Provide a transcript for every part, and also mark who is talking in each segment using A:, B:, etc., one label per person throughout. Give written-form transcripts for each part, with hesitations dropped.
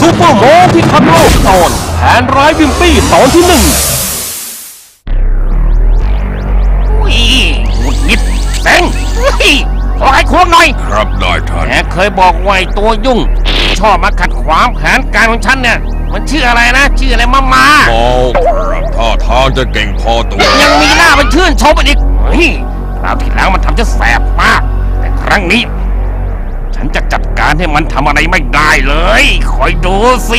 A: ซูเปอร์โมที่ทำโลกตอนแผนร้ายวิมปี้ตอนที่1
B: หงุดหงิดเซ็งขอให้ควงหน่อย
C: ครับนายท่าน
B: แกเคยบอกว่าตัวยุ่งชอบมาขัดขวางแผนการของฉันเนี่ยมันชื่ออะไรนะชื่ออะไรมา
C: โอ้ครับท่าทางจะเก่งพอตัว
B: ยังมีหน้าไปชื่นชมอีกคราวที่แล้วมันทำจะแสบมากแต่ครั้งนี้ฉันจะจัดการให้มันทำอะไรไม่ได้เลยคอยดูสิ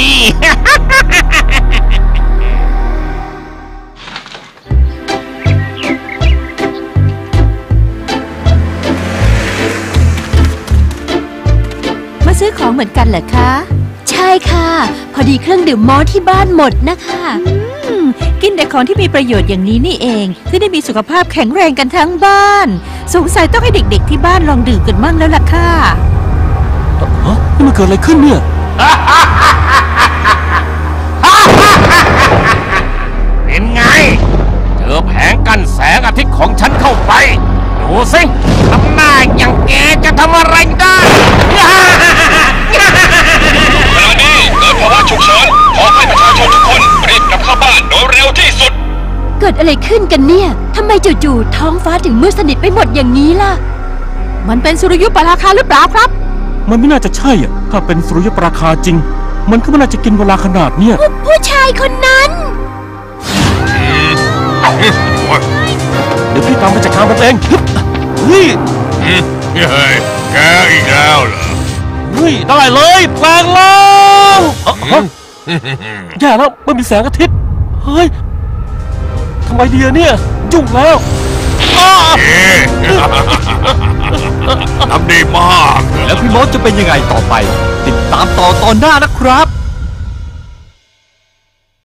D: มาซื้อของเหมือนกันเหรอคะใช่ค่ะพอดีเครื่องดื่มมอที่บ้านหมดนะคะกินแต่ของที่มีประโยชน์อย่างนี้นี่เองที่ได้มีสุขภาพแข็งแรงกันทั้งบ้านสงสัยต้องให้เด็กๆที่บ้านลองดื่มกันมั่งแล้วล่ะค่ะ
A: นี่มันเกิดอะไรขึ้นเนี่ย
B: เป็นไงเจอแผงกั้นแสงอาทิตย์ของฉันเข้าไปดูสิทำหน้าอย่างแกจะทำอะไรได้
C: ขณะนี้เกิดภาวะฉุกเฉินขอให้ประชาชนทุกคนรีบกลับเข้าบ้านโดยเร็วที่สุด
D: เกิดอะไรขึ้นกันเนี่ยทำไมจู่ๆท้องฟ้าถึงมืดสนิทไปหมดอย่างนี้ล่ะมันเป็นสุริยุปราคาหรือเปล่าครับ
A: มันไม่น่าจะใช่อ่ะถ้าเป็นสุริยุปราคาจริงมันก็ไม่น่าจะกินเวลาขนาดเนี้ย
D: ผู้ชายคนนั้น
A: เดี๋ยวพี่ตามไปจัดการมันเองเฮ้ย
C: แกอีกแล้วเหรอ
A: เฮ้ยได้เลยแปลงแล้วแย่แล้วไม่มีแสงอาทิตย์เฮ้ยทำไมดีเนี่ยยุ่งแล้ว
C: ทำดีมาก
A: แล้วพี่มดจะเป็นยังไงต่อไปติดตามต่อตอนหน้านะครับ